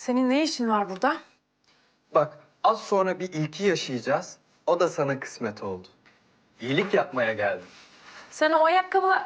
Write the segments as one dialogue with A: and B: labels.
A: Senin ne işin var burada?
B: Bak, az sonra bir ilki yaşayacağız. O da sana kısmet oldu. İyilik yapmaya geldim.
A: Sen o ayakkabı...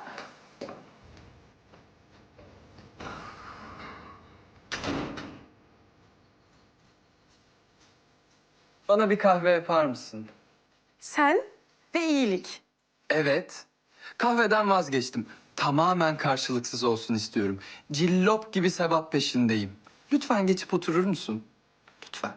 B: Bana bir kahve yapar mısın?
A: Sen ve iyilik.
B: Evet. Kahveden vazgeçtim. Tamamen karşılıksız olsun istiyorum. Cillop gibi sevap peşindeyim. Lütfen geçip oturur musun? Lütfen.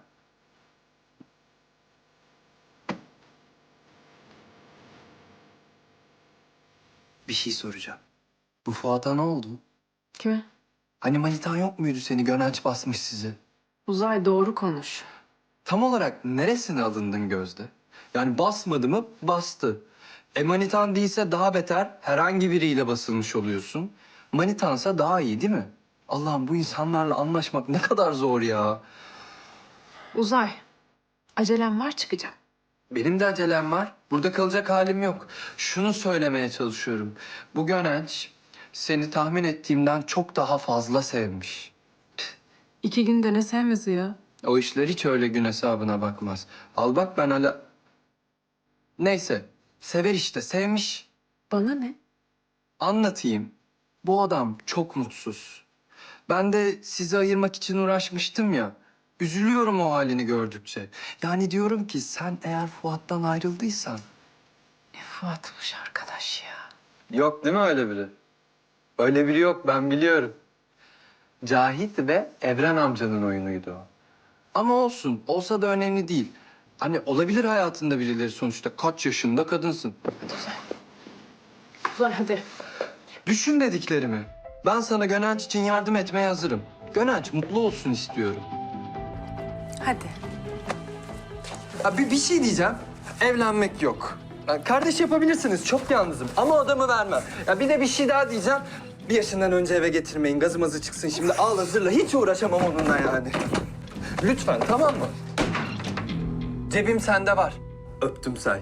B: Bir şey soracağım. Bu Fuat'a ne oldu?
A: Kime?
B: Hani manitan yok muydu seni? Gönenç basmış sizi.
A: Uzay, doğru konuş.
B: Tam olarak neresine alındın Gözde? Yani basmadı mı? Bastı. Manitan değilse daha beter herhangi biriyle basılmış oluyorsun. Manitansa daha iyi değil mi? Allah'ım bu insanlarla anlaşmak ne kadar zor ya.
A: Uzay, acelem var, çıkacağım.
B: Benim de acelem var. Burada kalacak halim yok. Şunu söylemeye çalışıyorum. Bu Gönenç seni tahmin ettiğimden çok daha fazla sevmiş.
A: 2 günde ne sevmesi ya?
B: O işler hiç öyle gün hesabına bakmaz. Al bak ben hala... Neyse. Sever işte. Sevmiş.
A: Bana ne?
B: Anlatayım. Bu adam çok mutsuz. Ben de sizi ayırmak için uğraşmıştım ya. Üzülüyorum o halini gördükçe. Yani diyorum ki sen eğer Fuat'tan ayrıldıysan...
A: Ne Fuat'mış arkadaş ya.
B: Yok değil mi öyle biri? Öyle biri yok, ben biliyorum. Cahit ve Evren amcanın oyunuydu o. Ama olsun, olsa da önemli değil. Hani olabilir hayatında birileri sonuçta. Kaç yaşında kadınsın.
A: Hadi Uzay. Uzay hadi.
B: Düşün dediklerimi. Ben sana Gönenç için yardım etmeye hazırım. Gönenç mutlu olsun istiyorum.
A: Hadi.
B: Ha, bir şey diyeceğim. Evlenmek yok. Ya, kardeş yapabilirsiniz. Çok yalnızım. Ama adamı vermem. Ya bir de bir şey daha diyeceğim. 1 yaşından önce eve getirmeyin. Gazımızı çıksın şimdi. Al hazırla. Hiç uğraşamam onunla yani. Lütfen tamam mı? Cebim sende var. Öptüm say.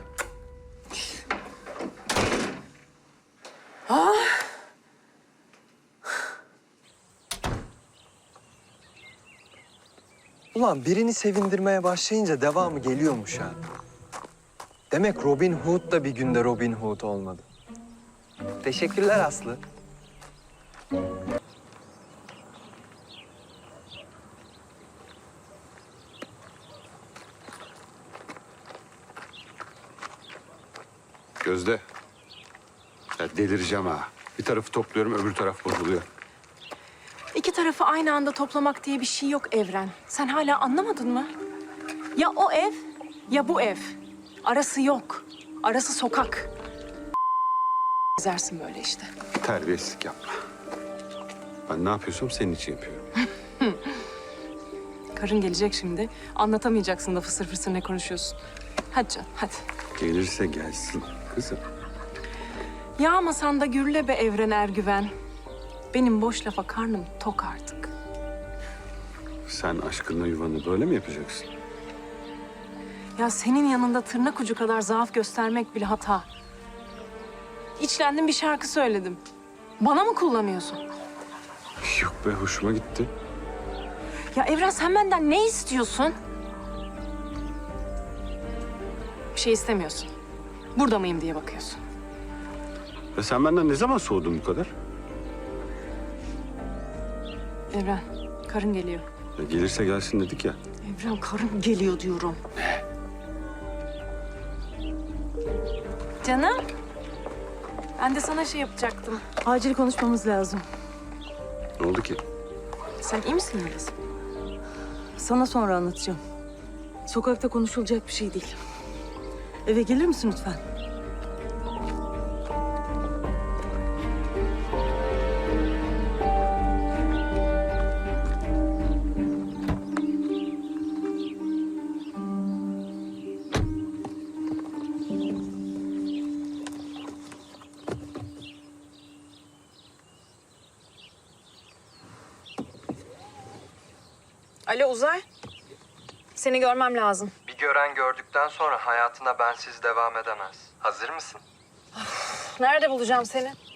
B: Ulan birini sevindirmeye başlayınca devamı geliyormuş ha. Demek Robin Hood da bir günde Robin Hood olmadı. Teşekkürler Aslı.
C: Gözde. Ya delireceğim ha. Bir tarafı topluyorum, öbür taraf bozuluyor.
D: 2 tarafı aynı anda toplamak diye bir şey yok Evren. Sen hala anlamadın mı? Ya o ev ya bu ev. Arası yok. Arası sokak. Gezersin böyle işte.
C: Terbiyesizlik yapma. Ben ne yapıyorsam senin için yapıyorum.
D: Karın gelecek şimdi. Anlatamayacaksın da fısır fısır ne konuşuyorsun. Hadi canım hadi.
C: Gelirse gelsin kızım.
D: Yağmasan da gürle be Evren Ergüven. Benim boş lafa karnım tok artık.
C: Sen aşkınla yuvanı böyle mi yapacaksın?
D: Ya senin yanında tırnak ucu kadar zaaf göstermek bile hata. İçlendim bir şarkı söyledim. Bana mı kullanıyorsun?
C: Yok be, hoşuma gitti.
D: Ya Evren sen benden ne istiyorsun? Bir şey istemiyorsun. Burada mıyım diye bakıyorsun.
C: Ya sen benden ne zaman soğudun bu kadar?
D: Evren, karın geliyor.
C: Ya gelirse gelsin dedik ya.
D: Evren, karın geliyor diyorum. Canım, ben de sana şey yapacaktım.
E: Acil konuşmamız lazım.
C: Ne oldu ki?
D: Sen iyi misin Yeliz?
E: Sana sonra anlatacağım. Sokakta konuşulacak bir şey değil. Eve gelir misin lütfen?
D: Alo Uzay. Seni görmem lazım.
B: Bir gören gördükten sonra hayatına bensiz devam edemez. Hazır mısın?
D: Nerede bulacağım seni?